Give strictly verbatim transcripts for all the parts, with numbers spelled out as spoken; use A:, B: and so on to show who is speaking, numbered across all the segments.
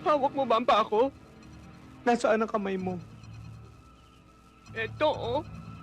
A: Hawak mo ba ang paa ko?
B: Nasaan ang kamay mo?
A: Eto, oh.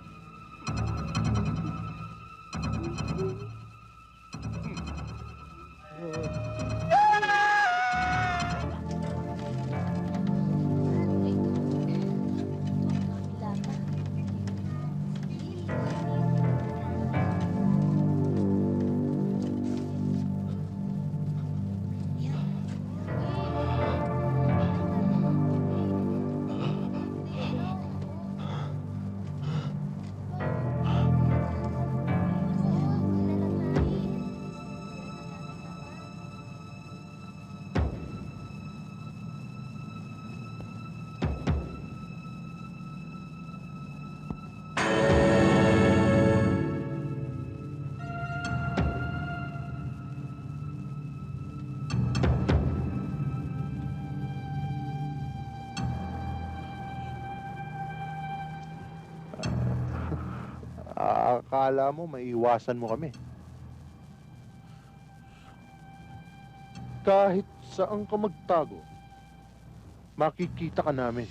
C: Akala mo maiiwasan mo kami. Kahit saan ka magtago, makikita ka namin.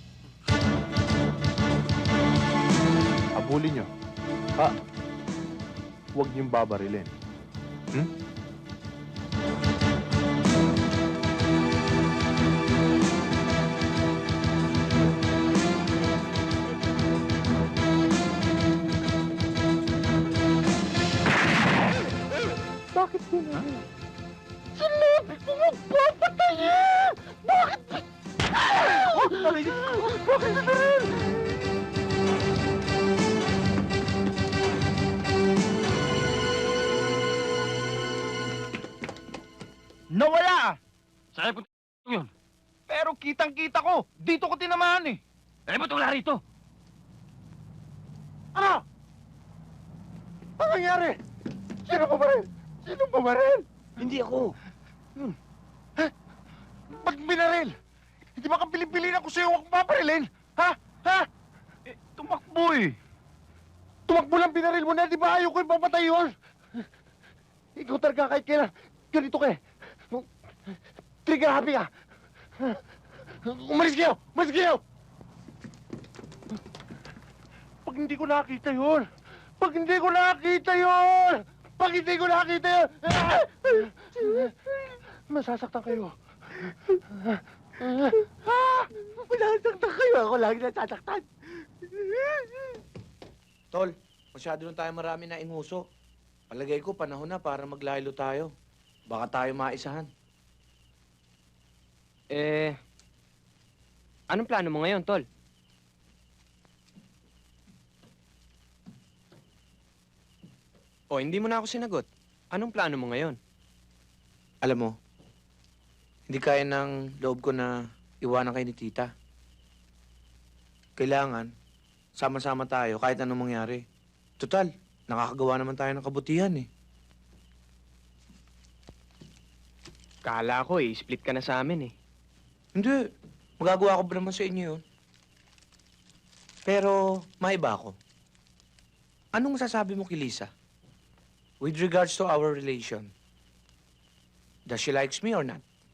C: Abulin nyo. Ha? Huwag niyong babarilin. Hmm? Bakit gano'n? Sinabi ko magpapatayin! Bakit? Oh, narinig ko! Bakit na rin?
A: Nawala! Saan punta yun? Pero kitang-kita ko. Dito ko tinamaan eh. Eh, ba't wala rito?
C: Ano? Ano nangyari? Sino pa ba rin? Sino pa ba rin?
A: Hindi ako.
C: Hmm. Ha? Ba't binaril? Hindi ba kang pili-pili na kung sa'yo akong paparilin? Ha? Ha?
A: Eh, tumakbo eh.
C: Tumakbo lang binaril mo na, di ba ayaw ko yung papatay yun? Ikaw talaga kahit kailan. Ganito ka eh. Trigger happy ka. Umalis kayo! Umalis kayo! Pag hindi ko nakita yun! Pag hindi ko nakita yun! Pag hindi ko nakita yun! Masasaktan kayo. Masasaktan kayo. Ako lagi nasasaktan.
D: Tol, masyado na tayo marami na inguso. Palagay ko, panahon na para maglaylo tayo. Baka tayo maisahan.
E: Eh, anong plano mo ngayon, Tol? O, hindi mo na ako sinagot. Anong plano mo ngayon?
D: Alam mo, hindi kaya ng loob ko na iwanan kayo ni Tita. Kailangan, sama-sama tayo kahit anong mangyari. Total, nakakagawa naman tayo ng kabutihan eh.
E: Kala ko eh, split ka na sa amin eh.
D: Hindi, magagawa ko ba naman sa inyo yun? Pero, maiba ako. Anong masasabi mo kay Lisa? With regards to our relation, does she likes me or not?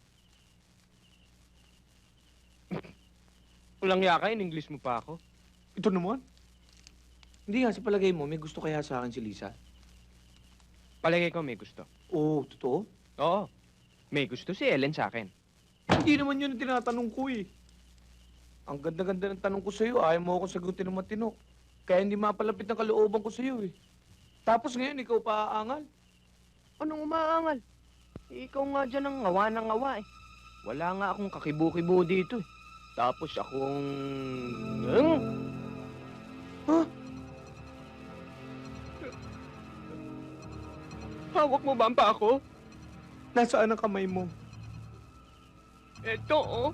E: Walang yaka, in English mo pa ako.
C: Ito naman.
D: Hindi nga, sa palagay mo, may gusto kaya sa akin si Lisa?
E: Palagay ko may gusto.
D: Oo, totoo?
E: Oo, may gusto si Ellen sa akin.
C: Hindi naman yun ang tinatanong ko eh.
D: Ang ganda-ganda ng tanong ko sa'yo, ayaw mo akong sagutin ng matino. Kaya hindi mapalapit ng kalooban ko sa'yo eh. Tapos ngayon, ikaw pa aangal.
E: Anong umaangal? Ikaw nga dyan ang ngawa ng ngawa eh. Wala nga akong kakibu-kibu dito eh. Tapos akong... Hmm?
D: Huh?
A: Hawak mo ba ang paa ko?
B: Nasaan ang kamay mo?
A: Eto, oh.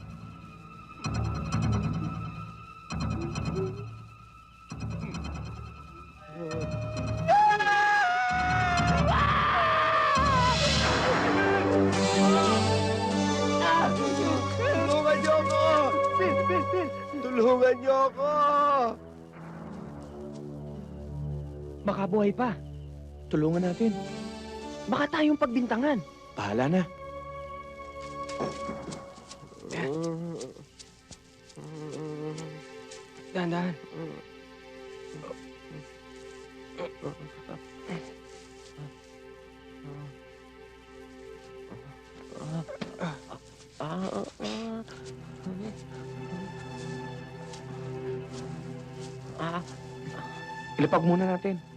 B: Tulungan niyo ako! Bill, Bill, Bill! Tulungan niyo ako!
E: Baka buhay pa.
D: Tulungan natin.
E: Baka tayong pagbintangan.
D: Bahala na.
E: Dahan-dahan.
D: Ilapag muna natin.